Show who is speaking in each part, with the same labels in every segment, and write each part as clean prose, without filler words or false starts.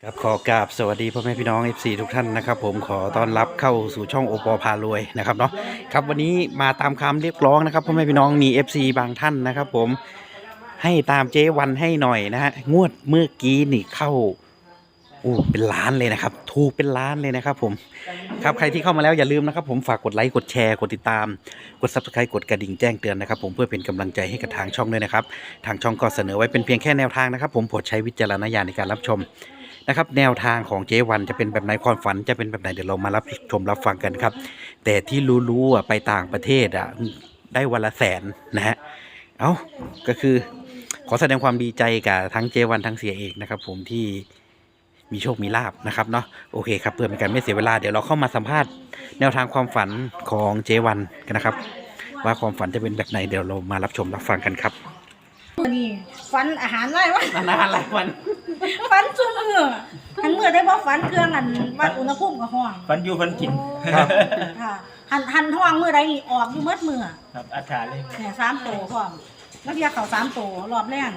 Speaker 1: ครับขอกราบสวัสดีพ่อแม่พี่น้อง FC ทุกท่านนะครับผมขอต้อนรับเข้าสู่ช่องโอปอพารวยนะครับเนาะครับวันนี้มาตามคำเรียกร้องนะครับพ่อแม่พี่น้องมี FC บางท่านนะครับผมให้ตามเจ๊วันให้หน่อยนะฮะงวดเมื่อกี้นี่เข้าเป็นล้านเลยนะครับถูกเป็นล้านเลยนะครับผมครับใครที่เข้ามาแล้วอย่าลืมนะครับผมฝากกดไลค์กดแชร์กดติดตามกด Subscribe กดกระดิ่งแจ้งเตือนนะครับผมเพื่อเป็นกำลังใจให้กับทางช่องด้วยนะครับทางช่องก็เสนอไว้เป็นเพียงแค่แนวทางนะครับผมโปรดใช้วิจารณญาณในการรับชมนะครับแนวทางของเจ๊วันจะเป็นแบบไหนความฝันจะเป็นแบบไหนเดี๋ยวเรามารับชมรับฟังกันครับแต่ที่รู้ๆไปต่างประเทศได้วันละ100,000นะฮะก็คือขอแสดงความดีใจกับทั้งเจ๊วันทั้งเสียเอกนะครับผมที่มีโชคมีลาภนะครับเนาะโอเคครับเพื่อเป็นการไม่เสียเวลาเดี๋ยวเราเข้ามาสัมภาษณ์แนวทางความฝันของเจ๊วันกันนะครับว่าความฝันจะเป็นแบบไหนเดี๋ยวเรามารับชมรับฟังกันครับ
Speaker 2: นี่ฟันอาหารไรวะ
Speaker 1: นานหลายวัน
Speaker 2: ฟันจุ่มมือหันมือได้เพราะฟันเครื่องอันวัดอุณหภูมิกับห้อง
Speaker 3: ฟันอยู่ฟันกิน
Speaker 1: ครับ
Speaker 2: ค่ะหันห้องมือใดนี่ออกอยู่เมื่อมือ
Speaker 3: ครับอัฐาเลย
Speaker 2: เนี่ย3 ตัวพร้อมแล้วเพียเขา3 ตัวรอบแรก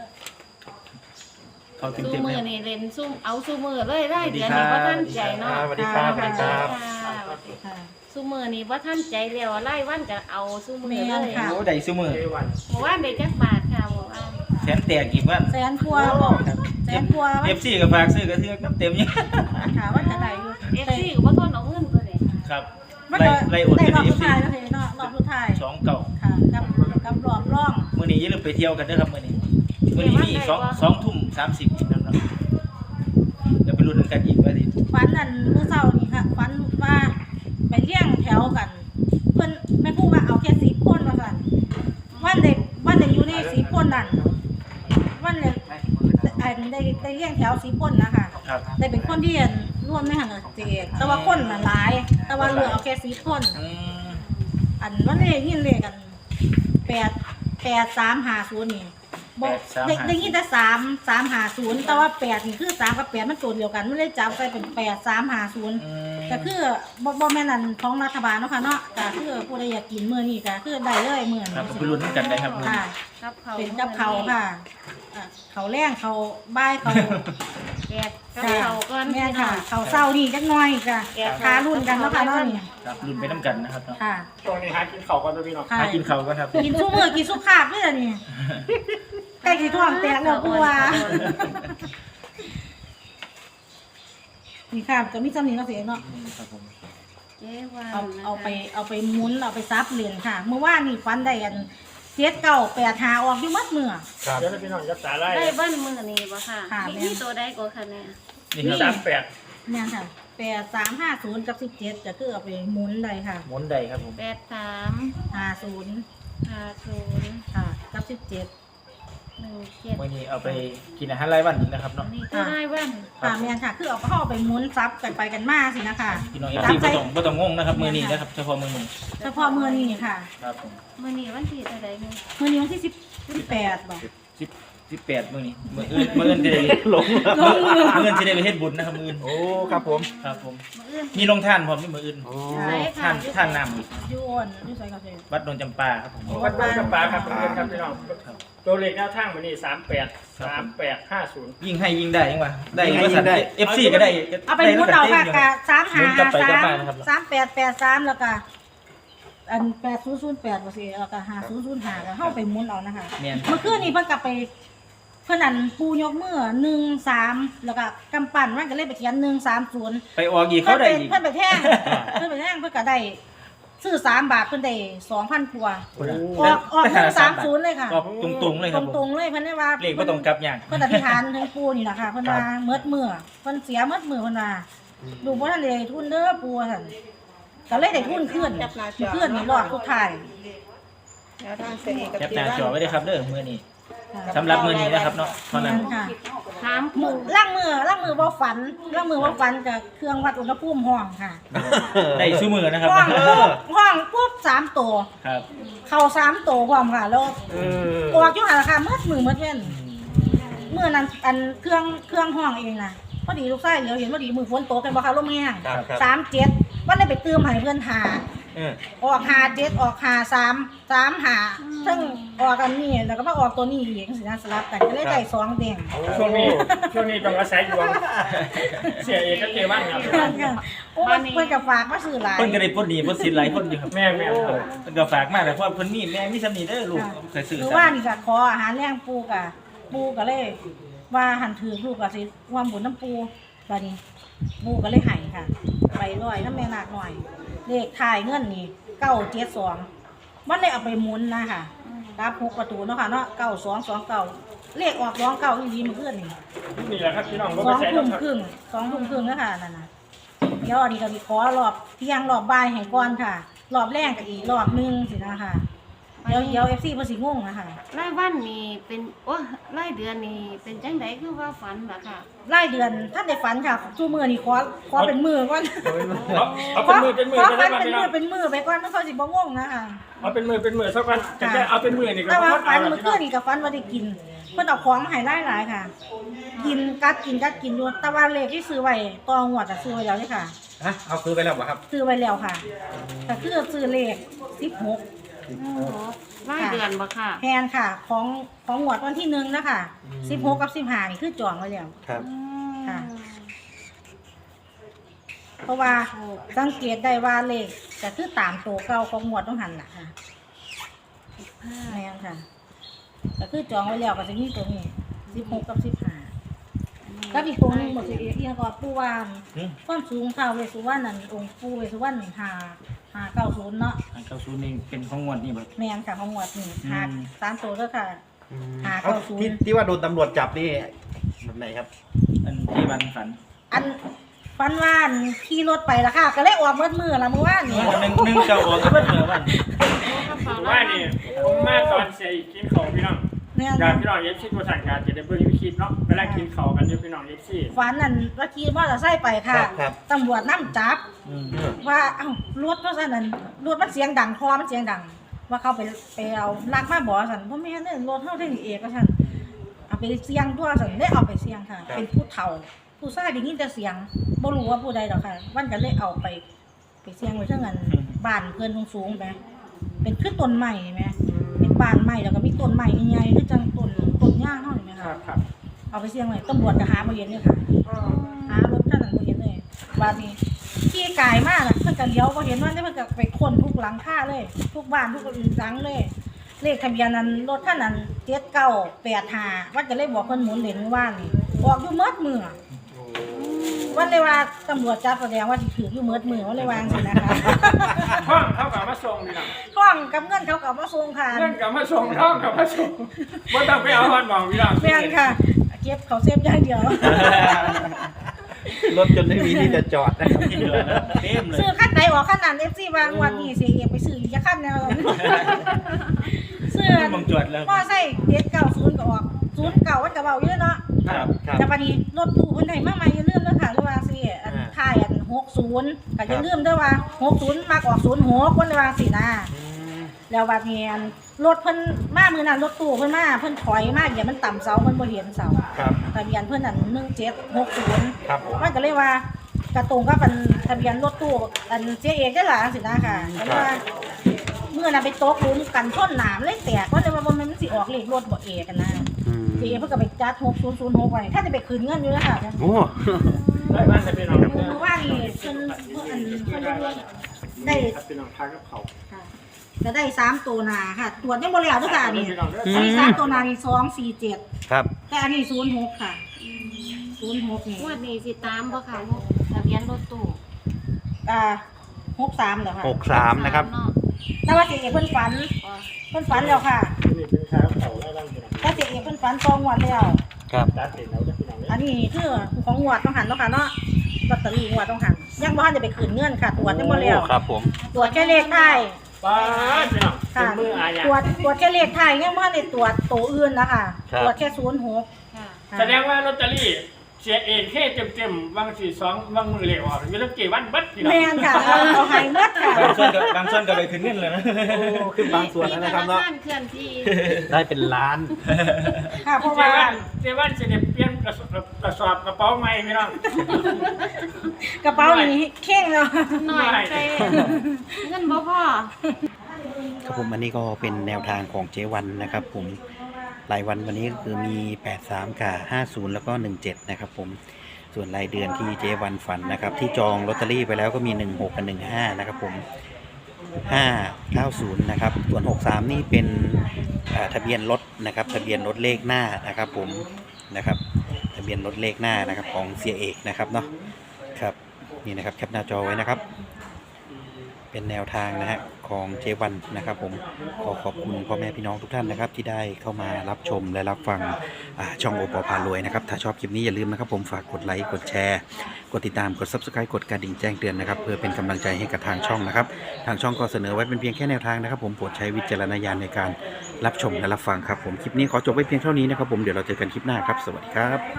Speaker 3: เขา
Speaker 4: สู้
Speaker 3: เต็มๆ
Speaker 4: มื
Speaker 3: เล
Speaker 4: อย นี่เล่นสู้เอาสู้มือเลยได้เดี๋ยวนี้ว่าท่านใจเนาะ
Speaker 3: สวัสดีครับสวัสดีครับ
Speaker 4: สู้มือนี่ว่าท่านใจเร็วไล่วันจะเอาสู้มือเลย
Speaker 3: โอ้ได้ซุมือ
Speaker 4: เมื่อวานได้จักบาทค่ะเมื่อวาน
Speaker 3: แสนแตกอีกว่า
Speaker 2: 100,000 กว่า
Speaker 3: เอฟซีกับฝากซื้อกระเทือกน้ำเต็มยัง
Speaker 2: ค่ะว่าจะได้อยู่
Speaker 4: เอฟซีก็บ่ทนเอาเงินตัวนี้
Speaker 3: ครับ
Speaker 2: มัน
Speaker 3: ไล่โอน
Speaker 2: ได้
Speaker 3: ให้
Speaker 2: รอบ
Speaker 3: เอ
Speaker 2: สุ
Speaker 3: ฟ
Speaker 2: ด
Speaker 3: ซี
Speaker 2: ท้ายแล้วเนาะรอบสุดท้าย
Speaker 3: 2 เก่า
Speaker 2: ค่ะกับรอบร่อง
Speaker 3: มื้อนี้อย่าลืมไปเที่ยวกันเด้อครับมื้อนี้มี2:30อีกนะครับจะไปลุ้นกันอีกว่าสิ
Speaker 2: ฟันนั่นมื้อเช้านี่ค่ะฟันว่าไปเลี้ยงแถวกันเพิ่นแม่พูดว่าเอาแค่10 คนว่าซั่นวันเด็กอยู่ใน10 คนนั่นวันเด็กได้เลี้ยงแถว10 คนนะคะ
Speaker 3: ครับ
Speaker 2: ได้เป็นคนที่ร่วมในหันเจกแต่ว่าคนน่ะหลายแต่ว่าเหลือเอาแค่10 คนอันวันนี้ยินเลขกัน8350นี่บอกได้ยินแต่350แต่ว่า8นี่คือ3กับ8มันตัวเดียวกันมันเลยจับใส่เป็น8350ก็คือบ่แม่นอันของรัฐบาลเนาะค่ะเนาะก็คือผู้ใดอยากกินมื้อนี้ก็คือได้เลยมื้อ
Speaker 3: ครับ
Speaker 2: นี้
Speaker 3: ไปลุ้นกันได้ครับ
Speaker 2: ค่ะ
Speaker 4: กับเขา
Speaker 2: เป็นกับเขาค่ะเขาแรงเขาบ่ายเขา
Speaker 4: แกะกับเขาก่อน
Speaker 2: แม่ค่ะเขาเศร้านี่จักหน่อยค่ะทารุ่นกันแล้วค่ะเนาะนี่
Speaker 3: ครับลุ้นไปน้ำกันนะครับ
Speaker 2: ค่ะ
Speaker 5: ตอนนี้หากินข้าวก่อนตัวพี่น้อง
Speaker 3: หากินข้าวกันครับ
Speaker 2: กินซุมื้อกินซุปขาบนี่ล่ะนี่ใกล้สิท้องแตกแล้วกูว่านี่ค่ะจะมีจำนี้เนาะเสียเนาะ
Speaker 3: ครับผม
Speaker 4: เจ๊วัน
Speaker 2: เอาไปหมุนเอาไปซับเหรียญค่ะเมื่อวานนี่ฟันได้อัน798หาออกอยู่หมดมื้อ
Speaker 5: เดี๋ยวพี่น้องยับสาไล่
Speaker 4: ได้บ้านมือนี่บ่ค่ะ
Speaker 2: ค่ะ
Speaker 4: มีตัวใดก็ค่ะเนี่ย
Speaker 3: นี่ครับ
Speaker 5: 38
Speaker 2: แม่นค่ะ8350กับ17ก็คือเอาไปหมุนได้ค่ะ
Speaker 3: หมุนได้ครับผม
Speaker 4: 83
Speaker 2: 50
Speaker 4: 50
Speaker 2: ค่ะกับ17
Speaker 4: 17
Speaker 3: มื้อนี้เอาไปกินอาหารรายวันอีกนะครับเนาะ
Speaker 4: นี่ตัวได้บ้าน
Speaker 2: ค่ะแม่นค่ะคือเอาเข้าไปหมุนซับกันไปกันมาสินะคะ
Speaker 3: พี่น้องเอฟซีบ่ต้องงงนะครับมื้อนี้นะครับเฉพาะมื้อนี้
Speaker 2: เฉพาะมื้อนี้ค่ะ
Speaker 3: ครับผม
Speaker 4: มื้อนี้วันที่เท่าใดนี่
Speaker 2: มื้อนี้วันที่18บ่
Speaker 3: 18มื้อนี้มื้ออื่นจะได้ลงมื้ออื่นจะได้ไปเฮ็ดบุญนะครับมื้ออื่น
Speaker 1: โอ้ครับผม
Speaker 3: ครับผม
Speaker 4: มื้ออื่น
Speaker 3: มีโรงทานพร้อมนี่มื้ออื่น
Speaker 4: ใช่ค่ะ
Speaker 3: ท่านน้ำอีก
Speaker 2: อยู่อ่อนอยู่ไสก็ได้
Speaker 3: วัดดงจำปาครับผม
Speaker 5: วัดบ้านจำปาครับครับพี่น้องตัวเลขหน้าทางวันนี้38
Speaker 3: ยิ่งให้ยิ่งได้ยังวะได้ยังว่าสัตว์ FC ก็ได้
Speaker 2: เอาไปหมุนเอาค่ะกะ
Speaker 3: หมุนกลับไปกลับมานะครับ
Speaker 2: 3883แล้วก็อัน8008บ่สิแล้วก็5005ก็เฮาไปหมุนเอานะคะ
Speaker 3: แม่น
Speaker 2: เมื่อคืนนี้เพิ่นก็ไปเพิ่นอันปูยกมือ13แล้วก็กำปั้นมันก็เลยไปเขียน130
Speaker 3: ไปออกอีกเขาได้อีก
Speaker 2: เพิ่นไปแท่งเพิ่นก็ได้ซื้อ3 บาทเพิ่นได้ 2,000 กว่าออก130เลยค่ะ
Speaker 3: ออกตรงๆเลยครับผม
Speaker 2: ตรงๆเลยเพิ่นได้ว่า
Speaker 3: เลขบ่ต้องกลับอย่าง
Speaker 2: เพิ่นอธิษฐานถึงปู่นี่ล่ะค่ะเพิ่นว่าเมิดมื้อเพิ่นเสียเมิดมื้อเพิ่นว่าดูบ่ทันได้ทุนเด้อปู่ซั่นก็เลยได้ทุนขึ้นนี่รอดทุกทาย
Speaker 3: แคปหน้าจอไว้ด้วยครับเด้อมื้อนี้สำหรับมื้อนี้นะครับเนาะเท่านั้น
Speaker 2: ค่ะ
Speaker 4: ถาม
Speaker 2: มื
Speaker 4: ผู้
Speaker 2: อล่างมือบ่ฝันกับเครื่องวัดอุณหภูมิห้องค่ะ
Speaker 3: ได้ซุมื้อนะครับ
Speaker 2: ห้องปุ๊บ3ตัว
Speaker 3: ครับ
Speaker 2: เข้า3ตัวพร้อมค่ะแล้วออกอยู่หั่นล่ะค่ะเมิดมื้อเมิดเว้นมื้อนั้นอันเครื่องห้องเองน่ะพอดีลูกชายเดี๋ยวเห็นพอดีมือฝนตกกันบ่ค่ะลมแห้ง37วันได้ไปเติมให้เพิ่นหาออก57ออก53 35 3 ทั้งออกกันนี่แล้วก็มาออกตัวนี้อีกสินะสลับกันก็เลยได้2แดง
Speaker 5: ช่วงนี้ต้องอาศัยดวงเสียเอกก็เจวันครับ
Speaker 2: โอ้เพิ่นก็ฝากมาซื้อหลาย
Speaker 3: เพิ่นก็ได้พ้นหนี้พ้นสินหลายคนอยู่ครับ
Speaker 5: แม่ครับ
Speaker 3: เพิ่นก็ฝากมาแต่เพราะเพิ่นมีแม่มีสำนีเด้อลูกเคยซื้อ
Speaker 2: หรือว่านี่ก็ขออาหารแรงปูก็เลยว่าหันถือลูกก็สิความบุญน้ำปูบัดนี้ปูก็เลยให้ค่ะไปร้อยน้ำแม่นาคหน่อยเลขถ่ายเงินนี่972มันเลยเอาไปหมุนนะค่ะรับ6ประตูเนาะค่ะเนาะ9229เลขออก29อีหลีมื้อคืนนี่
Speaker 5: นี่แหละครับพี่น้องบ่
Speaker 2: 2
Speaker 5: ไปใส่
Speaker 2: ทุ่ม
Speaker 5: ครับ
Speaker 2: ครึ่ง2 ทุ่มครึ่งแล้วค่ะนั่นน่ะเดี๋ยวอันนี้ก็สิขอรอบเที่ยงรอบบ่ายให้ก่อนค่ะ รอบแรกก็อีกรอบนึงสินะคะเดี๋ยว FC เพิ่นสิงงนะคะ
Speaker 4: รายวันนี่เป็นโอ้รายเดือนนี่เป็นจังไดคือว่าฝันล่ะค่ะ
Speaker 2: รายเดือนท่านได้ฝันค่ะชั่วมือนี่ขอเป็นมือก่อน
Speaker 5: เอาเป็นมือ
Speaker 2: ขอ
Speaker 5: ไป
Speaker 2: ฝั
Speaker 5: ได้
Speaker 2: น
Speaker 5: ป่ะ
Speaker 2: เป็น
Speaker 5: พี่น้
Speaker 2: มื
Speaker 5: อ
Speaker 2: อง เป็นมือไปก่อนมันเขาสิบ่งงนะคะ
Speaker 5: เอาเป็นมือสักวันจะได้เอาเป็นมือนี่ก็
Speaker 2: แต่ว่า
Speaker 5: บ่
Speaker 2: ฝั
Speaker 5: เอา
Speaker 2: น
Speaker 5: แล้ว
Speaker 2: เมื่อ
Speaker 5: พี่
Speaker 2: คื
Speaker 5: น้อน ง
Speaker 2: นี่กับฝันว่าได้กินเพิ่นเอาของมาให้หลายๆค่ะ กินกัดอยู่แต่ว่าเลขที่ซื้อไว้ตองวดซื้อไว้แล้วนี่ค่ะ
Speaker 1: ฮะเอาซื้อไปแล้วเหรอครับ
Speaker 2: ซื้อไว้แล้วค่ะก็คือซื้อเลข16
Speaker 4: รายเดือนบ่ค่ะ
Speaker 2: แทนค่ะของงวดวันที่1นะคะ16กับ15นี่คือจองไว้แล้ว
Speaker 1: ครับ
Speaker 2: ค่ะ เพราะว่าสังเกตได้ว่าเลขจะคือตามตัวเก่าของงวดต้องหันล่ะค่ะแม่นค่ะก็คือจองไว้แล้วก็จะมีตัวนี้16กับ15แล้วอีกตัวหนึงหมดสิเอียงก็ปู่ว่าความสูงเท่าเวสสุวรรณนั่นองค์ปู่เวสสุวรรณ590เนาะ
Speaker 3: อันเก้าศูนย์นี่เป็นของงวดนี่บ่
Speaker 2: แม่นค่ะของงวดนี่3ตัวเด้อค่ะ
Speaker 1: ที่ว่าโดนตำรวจจับนี่แบบไหนครับ
Speaker 3: อันที่วันฝัน
Speaker 2: อันฟันว่านขี่รถไปละค่ะ ก็เลยออกมือละเมื่อวานนี่
Speaker 3: หนึ่งเจ้าออกก็เบิดเมื่อวัน
Speaker 5: ว่านี่ผมมาตอนเสียอีกกินของพี่น้อง
Speaker 2: เนี่ย
Speaker 5: อยากพี่น้องเอฟซีตัวสั่งการจะได้เบิ่งยูคลิปเนาะเวลากินข้าวกันอยู่พี่น้องเอฟซี
Speaker 2: ฟันนั่นว่าขี่มอเตอร์ไซค์ไปค่ะ
Speaker 1: ครับ
Speaker 2: ตำรวจนำจับ ว่าเอ้ารถว่าซั่นนั่นรถมันเสียงดังคอมันเสียงดัง ว่าเขาไปเอาลักมาบ่ซั่นบ่แม่นเด้อรถเฮาเท่านี้เองว่าซั่นเอาไปเสียงตัวซั่นได้เอาไปเสียงค่ะ เป็นผู้เฒ่า ผู้ชายได้ยินแต่เสียงบ่รู้ว่าผู้ใดดอกค่ะวันก็เลยเอาไปเสียงไว้เท่านั้นบ้านเพิ่นสูงๆแหมเป็นคือต้นไม้แหมเป็นบ้านไม้แล้วก็มีต้นไม้ใหญ่ๆคือจังต้นย่างเฮานี่แหม
Speaker 5: ครั
Speaker 2: ค่ะ
Speaker 5: บครับ
Speaker 2: เอาไปเสียงไว้ตำรวจก็หาบ่เห็นเลยค่ะ หารถคันนั้นบ่เห็นเลยบาดนี้ขี่กายมากน่ะเพิ่นก็เลี้ยวบ่เห็นว่าเพิ่นก็ไปค้นทุกหลังคาเลย ทุกบ้านทุกหลังเลย เลขทะเบียนนั้นรถคันนั้น7985วันก็เลยบอกเพิ่นหมุนเลนเมื่อวานนี่ออกอยู่หมดมื้อวันเลยว่าตำรวจจับแสดงว่าสิถืออยู่หมดมื้อวันเลยวาจังซี่นะคะ
Speaker 5: ท่องเขากับมาส่งพี่น้อง
Speaker 2: ท้องกับเงินเขาก็เอามาส่งค่ะ
Speaker 5: เงินกับมาส่งท่องกับมาส่งบ่ต้องไปเอาฮอดหมองพี่น้อง
Speaker 2: แม่นค่ะ เก็บเขาเซฟอย่างเดียว
Speaker 1: รถจนไม่มีที่จะจอดนะครับ
Speaker 3: ที่เหลือนะเต็มเลย
Speaker 2: ซื้อคันไหนออกคันนั้น FC วางวันนี้เสียเอกไปซื้ออีกคันแนวซื้อ
Speaker 3: มองจวดแล้ว
Speaker 2: มอไซค์790ก็ออก09วันก็เว้าอยู่เนาะ
Speaker 3: ครับ
Speaker 1: ครับ
Speaker 2: แต่บัดนี้รถตู้เพิ่นให้มาใหม่อย่าลืมเด้อค่ะหรือว่าสิอันท้ายอัน60ก็อย่าลืมเด้อว่า60มักออก06วันเลยว่าสินะแล้วบัดนี้อันรถเพิ่นมามื้อนั้นรถตู้เพิ่นมาเพิ่นถอยมาอย่ามันต่ำเสาเพิ่นบ่เห็นเสา
Speaker 1: ครับ
Speaker 2: ทะเบียนเพิ่นนั่น1760
Speaker 1: ครับผม
Speaker 2: มันก็เลยว่ากระตรงก็เป็นทะเบียนรถตู้อันเสียเอกได้หลายสินะค่ะเพราะว่าเมื่อน่ะไปตกหลุมกันชนหนามเลยแตกก็เลยว่าบ่แม่นมันสิออกเลขรถบ่เอกกันนะเสียเอกเพิ่นก็ไปจัด6006ไว้ถ้าจะไปคืนเงินอยู่แล้วค่ะ
Speaker 1: โอ้
Speaker 5: ได้บ้านจะพี่น้อง
Speaker 2: คือว่านี่เพิ่นได้
Speaker 5: ครับพี่น้องทานกับเขา
Speaker 2: ค่ะจะได้3ตัวหน้าค่ะ ตรวจยังบ่แล้วทุกค่ะนี่
Speaker 5: พี่น้องเด้อ
Speaker 2: อันนี้3ตัวหน้านี่247
Speaker 1: ครับ
Speaker 2: แต่อันนี้06ค่ะ06นี่
Speaker 4: งวดนี้สิตามบ่ค่ะทะเบียนรถตู้
Speaker 2: 63แล้วค่ะ
Speaker 1: 63นะครับ
Speaker 4: เนาะ
Speaker 2: แต่ว่าเสียเอกเพิ่นฝัน
Speaker 4: อ๋อ
Speaker 2: เพิ่นฝันแล้วค่ะ
Speaker 5: นี่เป็นทานกับเขาได้บ้านพี่น้อง
Speaker 2: ถ้าเสียเอกเพิ่นฝันตองวดแล้ว
Speaker 1: ครับ
Speaker 5: ตัดสินแล้วจะพี่น้อง
Speaker 2: อันนี้คือของงวดต้องหันเนาะค่ะเนาะลอตเตอรี่งวดต้องหันยังบ่ทันได้ไปคืนเงินค่ะ ตรวจยังบ่แล้ว
Speaker 1: ครับผม
Speaker 2: ตรวจแค่เลขท้าย
Speaker 5: ป้าพี่น้องเป็
Speaker 2: ค่ะ
Speaker 5: นมืออาญา
Speaker 2: ตรวจแค่เลขท้ายยังบ่ทันได้ตรวจตัวอื่นนะคะ
Speaker 1: ครับ
Speaker 2: ตรวจแค่06
Speaker 4: ค่ะ
Speaker 5: แสดงว่าลอตเตอรี่เสียเองแค่เต็มๆวาง42วางมือเหลวออกมีตั้งกี่วันบัดพี่น้อง
Speaker 2: แม่นค่ะเอาให้หมดค่ะ
Speaker 3: บางส่วนก็ไปถึงเงินเลยนะ
Speaker 1: ขึ้นบางส่วนแล้วนะครับเนาะ
Speaker 4: มีธครเคลื่อนที่
Speaker 1: ได้เป็นล้าน
Speaker 2: ค่ะเพราะ
Speaker 5: เจ
Speaker 2: ว่า
Speaker 5: วันจะได้เปลี่ยนกระสอบกระเป๋าใหม่พี่น้อง
Speaker 2: กระเป๋านี่เข่งแล้ว
Speaker 4: หน่อยใส่เงินบ่พอ
Speaker 1: ครับผมอันนี้ก็เป็นแนวทางของเจวันนะครับผมรายวันวันนี้ก็คือมี 83กับ50 แล้วก็ 17 นะครับผมส่วนรายเดือนที่เจวันฝันนะครับที่จองลอตเตอรี่ไปแล้วก็มี 16 กับ 15 นะครับผม 590 นะครับส่วน 63 นี่เป็นทะเบียนรถนะครับทะเบียนรถเลขหน้านะครับผมนะครับทะเบียนรถเลขหน้านะครับของเสียเอกนะครับเนาะครับนี่นะครับแคปหน้าจอไว้นะครับ เป็นแนวทางนะฮะของเจวันนะครับผมขอบคุณพ่อแม่พี่น้องทุกท่านนะครับที่ได้เข้ามารับชมและรับฟังช่องโอปอพารวยนะครับถ้าชอบคลิปนี้อย่าลืมนะครับผมฝากกดไลค์กดแชร์กดติดตามกด Subscribe กดกระดิ่งแจ้งเตือนนะครับเพื่อเป็นกำลังใจให้กับทางช่องนะครับทางช่องก็เสนอไว้เป็นเพียงแค่แนวทางนะครับผมโปรดใช้วิจารณญาณในการรับชมและรับฟังครับผมคลิปนี้ขอจบไว้เพียงเท่านี้นะครับผมเดี๋ยวเราเจอกันคลิปหน้าครับสวัสดีครับ